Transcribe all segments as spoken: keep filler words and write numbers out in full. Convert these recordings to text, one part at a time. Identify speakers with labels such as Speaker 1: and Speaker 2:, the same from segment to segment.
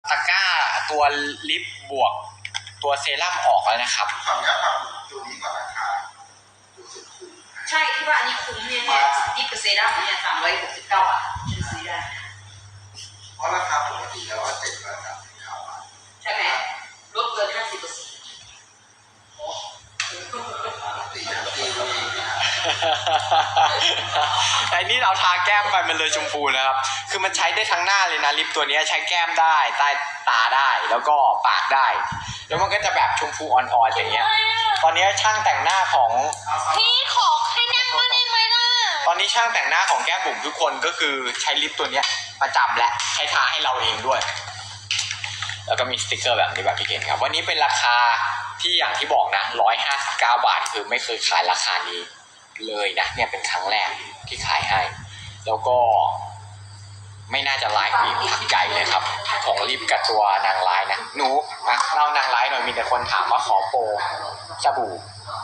Speaker 1: ตะกร้าตัวลิปบวกตัวเซรั่มออกแล้วนะครับ
Speaker 2: ฝั่งนี้ฝั่งตัวนี้ก่อนราคาตัวสุดคุ้ม
Speaker 3: ใช่ที่ว่าอันนี้คุ้มเนี่ยเนี่ยดิปกับเซรั่มเนี่ยสามร้อยหกสิบเก้าบาทซื้อได้
Speaker 2: เพราะราคาปกติแล้วว่าเจ็ดร้อยสามสิบเก้าบาท
Speaker 3: ใช่ไหมลดเกินห้าสิบเปอร์เซ็นต์
Speaker 2: ตีนะตีตัวเองนะ
Speaker 1: ไอ้นี่เราทาแก้มไปมันเลยชมพูนะครับคือมันใช้ได้ทั้งหน้าเลยนะลิปตัวนี้ใช้แก้มได้ใต้ตาได้แล้วก็ปากได้แล้วมันก็จะแบบชมพูอ่อนๆอย่างเงี้ยตอนนี้ช่างแต่งหน้าของ
Speaker 4: พี่ขอให้นั่งมาได้ไหมล่ะ
Speaker 1: ตอนนี้ช่างแต่งหน้าของแก้มบุ๋มทุกคนก็คือใช้ลิปตัวนี้ประจำและใช้ทาให้เราเองด้วยแล้วก็มีสติกเกอร์แบบนี้แบบที่เห็นครับวันนี้เป็นราคาที่อย่างที่บอกนะหนึ่งร้อยห้าสิบเก้าบาทคือไม่เคยขายราคานี้เลยนะเนี่ยเป็นครั้งแรกที่ขายให้แล้วก็ไม่น่าจะไลฟ์อีกพักใหญ่เลยครับของลิปกับตัวนางร้ายนะหนูมาเล่านางร้ายหน่อยมีแต่คนถามว่าขอโปรสบู่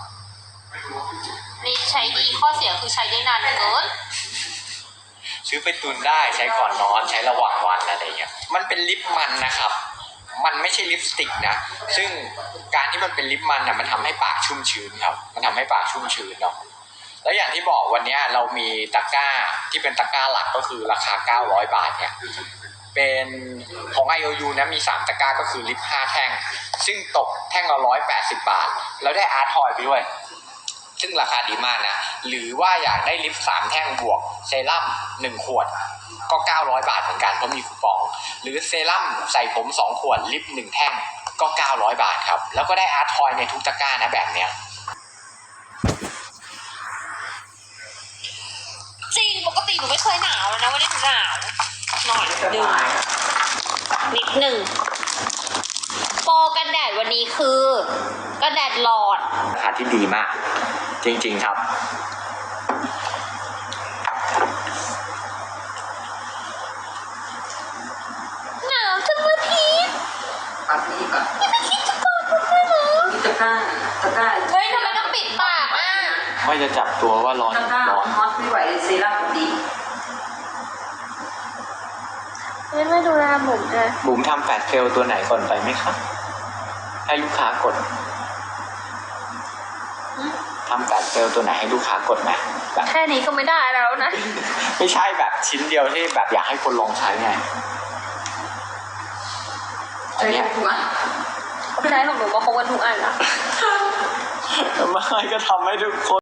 Speaker 4: นี่ใช้ดีข้อเสียคือใช้ได้นานเกิน
Speaker 1: ซื้อไปตุนได้ใช้ก่อนนอนใช้ระหว่างวันอะไรเงี้ยมันเป็นลิปมันนะครับมันไม่ใช่ลิปสติกนะซึ่งการที่มันเป็นลิปมันนะมันทำให้ปากชุ่มชื้นครับมันทำให้ปากชุ่มชื้นเนาะแล้วอย่างที่บอกวันนี้เรามีตะกร้าที่เป็นตะกร้าหลักก็คือราคาเก้าร้อยบาทเนี่ยเป็นของ ไอ โอ ยู นะมีสามตะกร้าก็คือลิปห้าแท่งซึ่งตกแท่งละหนึ่งร้อยแปดสิบบาทแล้วได้อาร์ตทอยไปด้วยซึ่งราคาดีมากนะหรือว่าอยากได้ลิปสามแท่งบวกเซรั่มหนึ่งขวดก็เก้าร้อยบาทเหมือนกันเพราะมีคูปองหรือเซรั่มใส่ผมสองขวดลิปหนึ่งแท่งก็เก้าร้อยบาทครับแล้วก็ได้อาร์ตทอยในทุกตะกร้านะแบบเนี้ย
Speaker 4: จริงปกติหนูไม่เคยหนาวแล้วนะวันนี้หนูหนาวหน่อยหนึ่งนิดหนึ่งโปรกันแดดวันนี้คือกันแดดหลอด
Speaker 1: ราคาที่ดีมากจริงๆครับ
Speaker 4: หนาวจังเลยพี่
Speaker 3: ปัดนี่ก่อน
Speaker 4: ไม่คิดจะกอดผมเลยเหรอ
Speaker 3: นี่ตะกร้าตะกร้า
Speaker 4: เฮ้ยทำไมต้องปิดปากอ่ะ
Speaker 1: ไม่จะจับตัวว่าร้อน
Speaker 3: ตะกร้าร้อนฮอตไม่ไหวเซรั่มดี
Speaker 4: ไม่ไม่ดูแลบุ๋มเลย
Speaker 1: บุ๋มทำแฟลชเซลตัวไหนก่อนไปไหมครับให้ลูกค้ากดทำแฟลชเซลตัวไหนให้ลูกค้ากดไหม
Speaker 4: แค่นี้ก็ไม่ได้แล้วนะ
Speaker 1: ไม่ใช่แบบชิ้นเดียวที่แบบอยากให้คนลองใช้ไง
Speaker 3: อันนี้ถูกไหม
Speaker 4: ใช้ของหนูก็คงวันทุกอันนะ
Speaker 1: ไม่ก็ทำให้ทุกคน